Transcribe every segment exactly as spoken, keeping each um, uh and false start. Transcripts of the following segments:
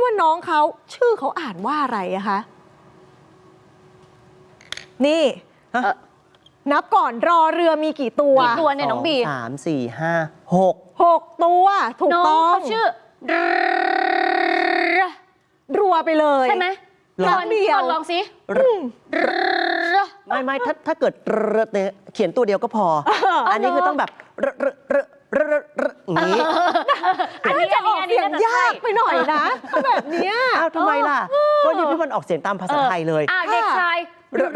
ว่าน้องเขาชื่อเขาอ่านว่าอะไรอะคะนี่นับก่อนรอเรือมีกี่ตัวกี่ตัวเนี่ยน้องบีสามสี่ห้าหกหกตัวถูกต้องน้องเขาชื่อรัวไปเลยใช่ไหมลองเดียวลองสิไม่ไม่ถ้าถ้าเกิดเนี่ยเขียนตัวเดียวก็พอ อันนี้คือต้องแบบอย่างนี้อันนี้จะออกเสียงยากไปหน่อยนะแบบนี้อ้าวทำไมล่ะก็นี่พี่บอลออกเสียงตามภาษาไทยเลยอ่าเด็กชาย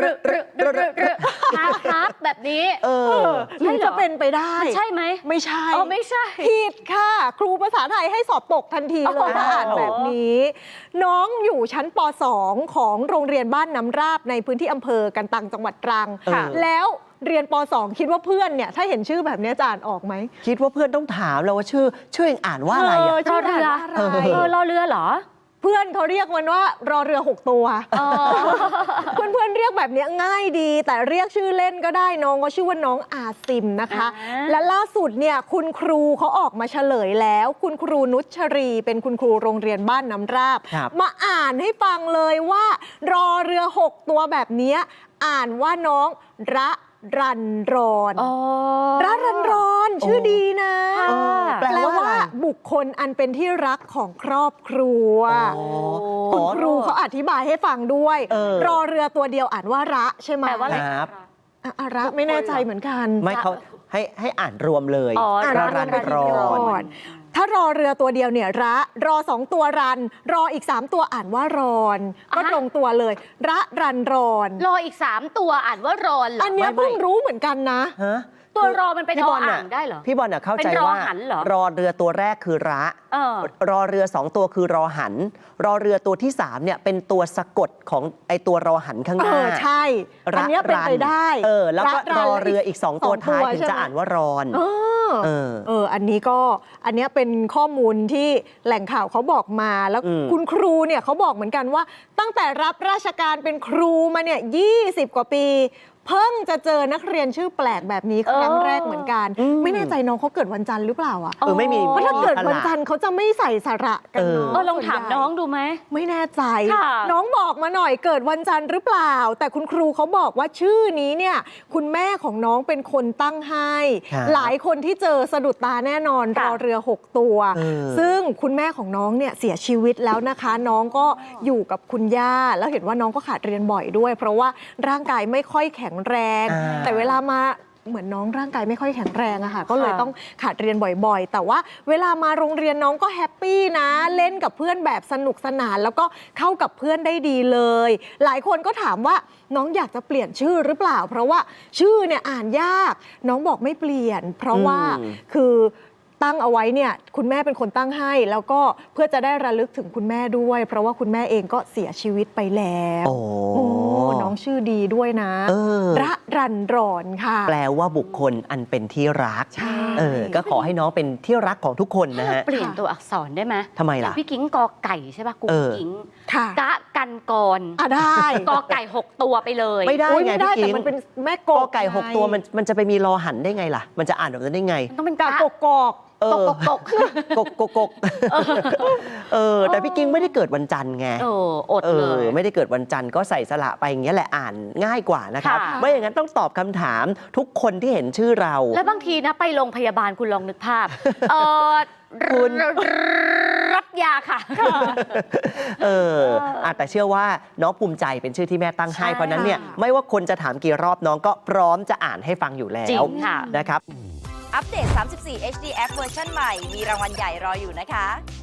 ครับครับแบบนี้เออหรือจะเป็นไปได้ใช่ไหมไม่ใช่อ๋อไม่ใช่ผิดค่ะครูภาษาไทยให้สอบตกทันทีเลยถ้าอ่านแบบนี้น้องอยู่ชั้นป สอง ของโรงเรียนบ้านน้ำราบในพื้นที่อำเภอกันตังจังหวัดตรังแล้วเรียนป สอง คิดว่าเพื่อนเนี่ยถ้าเห็นชื่อแบบนี้จะอ่านออกไหมคิดว่าเพื่อนต้องถามเราว่าชื่อชื่อเองอ่านว่าอะไรอะรอเรือเออรอเรือเหรอเพื่อนเขาเรียกมันว่ารอเรือหกตัวเพื่อนเพื่อนเรียกแบบนี้ง่ายดีแต่เรียกชื่อเล่นก็ได้น้องก็ชื่อว่าน้องอาซิมนะคะและล่าสุดเนี่ยคุณครูเขาออกมาเฉลยแล้วคุณครูนุชรีเป็นคุณครูโรงเรียนบ้านน้ำราบมาอ่านให้ฟังเลยว่ารอเรือหกตัวแบบนี้อ่านว่าน้องระรันรอนรัรันรอนชื่อดีนะแปลว่าบุคคลอันเป็นที่รักของครอบครัวคุณครูเขาอธิบายให้ฟังด้วยรอเรือตัวเดียวอ่านว่าระใช่ไหมแปลว่าอะไรอะระไม่แน่ใจเหมือนกันไม่เขาให้ให้อ่านรวมเลยรัรันรอนถ้ารอเรือตัวเดียวเนี่ยระรอสองตัวรันรออีกสามตัวอ่านว่ารอนก็ตรงตัวเลยระรันรอนรออีกสามตัวอ่านว่ารอนอันนี้เพิ่งรู้เหมือนกันนะตัวรอมันเป็นออ่างได้เหรอพี่บอลน่ะเข้าใจว่ารอเรือตัวแรกคือระรอเรือสองตัวคือรอหันรอเรือตัวที่สามเนี่ยเป็นตัวสะกดของไอตัวรอหันข้างหน้าใช่อันนี้เป็นไปได้เออแล้วก็รอเรืออีกสองตัวท้ายถึงจะอ่านว่ารอนเออเอออันนี้ก็อันนี้เป็นข้อมูลที่แหล่งข่าวเขาบอกมาแล้วคุณครูเนี่ยเขาบอกเหมือนกันว่าตั้งแต่รับราชการเป็นครูมาเนี่ยยี่สิบกว่าปีเพิ่งจะเจอนักเรียนชื่อแปลกแบบนี้ครั้งแรกเหมือนกันไม่แน่ใจน้องเขาเกิดวันจันทร์หรือเปล่าอ่ะเออไม่มีเพราะถ้าเกิดวันจันทร์เขาจะไม่ใส่สระกันเนาะเออลองถามน้องดูไหมไม่แน่ใจน้องบอกมาหน่อยเกิดวันจันทร์หรือเปล่าแต่คุณครูเขาบอกว่าชื่อนี้เนี่ยคุณแม่ของน้องเป็นคนตั้งให้หลายคนที่เจอสะดุดตาแน่นอนรอเรือหกตัวซึ่งคุณแม่ของน้องเนี่ยเสียชีวิตแล้วนะคะน้องก็อยู่กับคุณย่าแล้วเห็นว่าน้องก็ขาดเรียนบ่อยด้วยเพราะว่าร่างกายไม่ค่อยแข็งแรงแต่เวลามาเหมือนน้องร่างกายไม่ค่อยแข็งแรงอะค่ะก็เลยต้องขาดเรียนบ่อยๆแต่ว่าเวลามาโรงเรียนน้องก็แฮปปี้นะเล่นกับเพื่อนแบบสนุกสนานแล้วก็เข้ากับเพื่อนได้ดีเลยหลายคนก็ถามว่าน้องอยากจะเปลี่ยนชื่อหรือเปล่าเพราะว่าชื่อเนี่ยอ่านยากน้องบอกไม่เปลี่ยนเพราะว่าคือตั้งเอาไว้เนี่ยคุณแม่เป็นคนตั้งให้แล้วก็เพื่อจะได้ระลึกถึงคุณแม่ด้วยเพราะว่าคุณแม่เองก็เสียชีวิตไปแล้วโอ้น้องชื่อดีด้วยนะระรันรอนค่ะแปลว่าบุคคลอันเป็นที่รักเออก็ขอให้น้องเป็นที่รักของทุกคนนะฮะเปลี่ยนตัวอักษรได้ไหมทำไมล่ะพี่กิ้งกอไก่ใช่ป่ะกูกิ้งกะกันกรอ่ะได้กอไก่หกตัวไปเลยไม่ได้ไงพี่กิ้งแต่มันเป็นแม่กอไก่หกตัวมันมันจะไปมีรอหันได้ไงล่ะมันจะอ่านแบบนั้นได้ไงต้องเป็นกากกอกกกกกกกกกกเออแต่พี่กิ้งไม่ได้เกิดวันจันทร์ไงเอออดเลยไม่ได้เกิดวันจันทร์ก็ใส่สระไปอย่างเงี้ยแหละอ่านง่ายกว่านะครับไม่อย่างนั้นต้องตอบคำถามทุกคนที่เห็นชื่อเราแล้วบางทีนะไปโรงพยาบาลคุณลองนึกภาพเออคุณรับยาค่ะเออแต่เชื่อว่าน้องภูมิใจเป็นชื่อที่แม่ตั้งให้เพราะนั้นเนี่ยไม่ว่าคนจะถามกี่รอบน้องก็พร้อมจะอ่านให้ฟังอยู่แล้วนะครับอัปเดต สามสิบสี่ เอช ดี แอป เวอร์ชันใหม่มีรางวัลใหญ่รออยู่นะคะ